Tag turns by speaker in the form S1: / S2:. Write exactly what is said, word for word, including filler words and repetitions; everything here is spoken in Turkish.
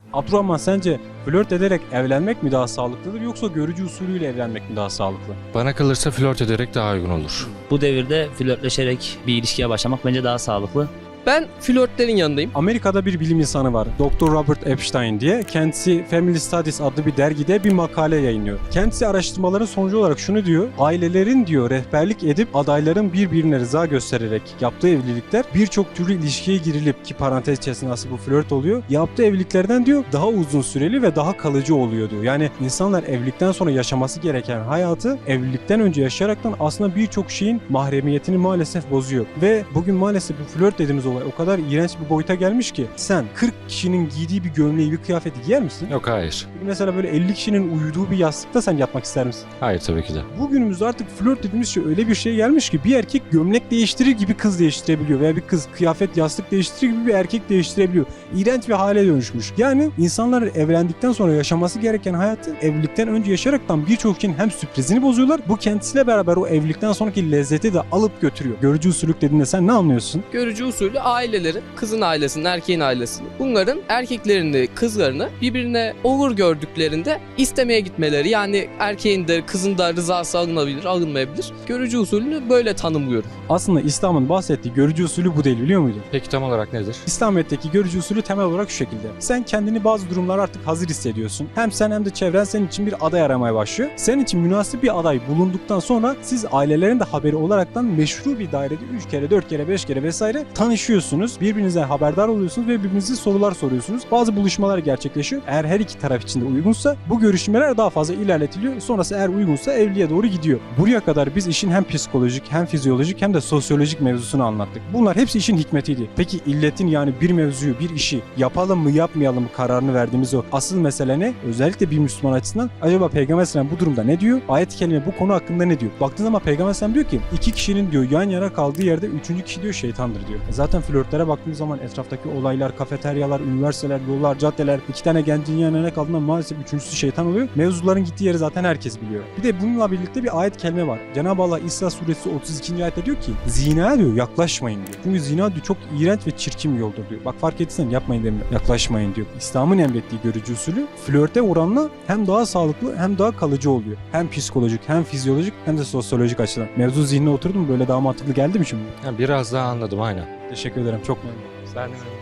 S1: Abdurrahman, sence flört ederek evlenmek mi daha sağlıklıdır yoksa görücü usulüyle evlenmek mi daha sağlıklı?
S2: Bana kalırsa flört ederek daha uygun olur.
S3: Bu devirde flörtleşerek bir ilişkiye başlamak bence daha sağlıklı.
S4: Ben flörtlerin yanındayım.
S1: Amerika'da bir bilim insanı var, doktor Robert Epstein diye. Kendisi Family Studies adlı bir dergide bir makale yayınlıyor. Kendisi araştırmaların sonucu olarak şunu diyor: ailelerin diyor rehberlik edip adayların birbirine rıza göstererek yaptığı evlilikler birçok türlü ilişkiye girilip, ki parantez içerisinde aslında bu flört oluyor, yaptığı evliliklerden diyor daha uzun süreli ve daha kalıcı oluyor diyor. Yani insanlar evlilikten sonra yaşaması gereken hayatı evlilikten önce yaşayaraktan aslında birçok şeyin mahremiyetini maalesef bozuyor. Ve bugün maalesef bu flört dediğimiz olay o kadar iğrenç bir boyuta gelmiş ki sen kırk kişinin giydiği bir gömleği, bir kıyafeti giyer misin?
S2: Yok, hayır.
S1: Mesela böyle elli kişinin uyuduğu bir yastıkta sen yatmak ister misin?
S2: Hayır, tabii ki de.
S1: Bugünümüzde artık flört dediğimiz şey öyle bir şey gelmiş ki bir erkek gömlek değiştirir gibi kız değiştirebiliyor veya bir kız kıyafet, yastık değiştirir gibi bir erkek değiştirebiliyor. İğrenç bir hale dönüşmüş. Yani insanlar evlendikten sonra yaşaması gereken hayatı evlilikten önce yaşayaraktan birçok şeyin hem sürprizini bozuyorlar. Bu kendisiyle beraber o evlilikten sonraki lezzeti de alıp götürüyor. Görücü usulük dediğinde sen ne anlıyorsun?
S4: Görücü usulü ailelerin, kızın ailesinin, erkeğin ailesini, bunların erkeklerini, kızlarını birbirine olur gördüklerinde istemeye gitmeleri. Yani erkeğin de kızın da rızası alınabilir, alınmayabilir. Görücü usulünü böyle tanımlıyorum.
S1: Aslında İslam'ın bahsettiği görücü usulü bu değil, biliyor muydun?
S2: Peki tam olarak nedir?
S1: İslamiyet'teki görücü usulü temel olarak şu şekilde: sen kendini bazı durumlar artık hazır hissediyorsun. Hem sen hem de çevren senin için bir aday aramaya başlıyor. Senin için münasip bir aday bulunduktan sonra siz ailelerin de haberi olaraktan meşru bir dairede üç kere, dört kere, beş kere vesaire tanışıyorsunuz. Birbirinizden haberdar oluyorsunuz ve birbirinize sorular soruyorsunuz. Bazı buluşmalar gerçekleşiyor. Eğer her iki taraf için de uygunsa bu görüşmeler daha fazla ilerletiliyor. Sonrası eğer uygunsa evliliğe doğru gidiyor. Buraya kadar biz işin hem psikolojik hem fizyolojik hem de sosyolojik mevzusunu anlattık. Bunlar hepsi işin hikmetiydi. Peki illetin, yani bir mevzuyu, bir işi yapalım mı yapmayalım mı kararını verdiğimiz o asıl mesele ne? Özellikle bir Müslüman açısından acaba Peygamber Aleyhisselam bu durumda ne diyor? Ayet-i Kerime bu konu hakkında ne diyor? Baktığın zaman Peygamber Aleyhisselam diyor ki iki kişinin diyor yan yana kaldığı yerde üçüncü kişi diyor şeytandır diyor. E zaten flörtlere baktığımız zaman etraftaki olaylar, kafeteryalar, üniversiteler, yollar, caddeler, iki tane gencin yan yana kaldığında maalesef üçüncüsü şeytan oluyor. Mevzuların gittiği yeri zaten herkes biliyor. Bir de bununla birlikte bir ayet-i kerime var. Cenab-ı Allah İsra suresi otuz ikinci ayette diyor ki zina diyor yaklaşmayın diyor. Çünkü zina diyor çok iğrenç ve çirkin bir yoldur diyor. Bak fark etsen yapmayın demiyor. Yaklaşmayın diyor. İslam'ın emrettiği görücü usulü flörte oranla hem daha sağlıklı hem daha kalıcı oluyor. Hem psikolojik hem fizyolojik hem de sosyolojik açıdan. Mevzu zihnine oturdu mu böyle daha mantıklı geldi mi şimdi?
S2: Ha, biraz daha anladım, aynen.
S1: Teşekkür ederim. Çok memnun oldum.
S2: Ben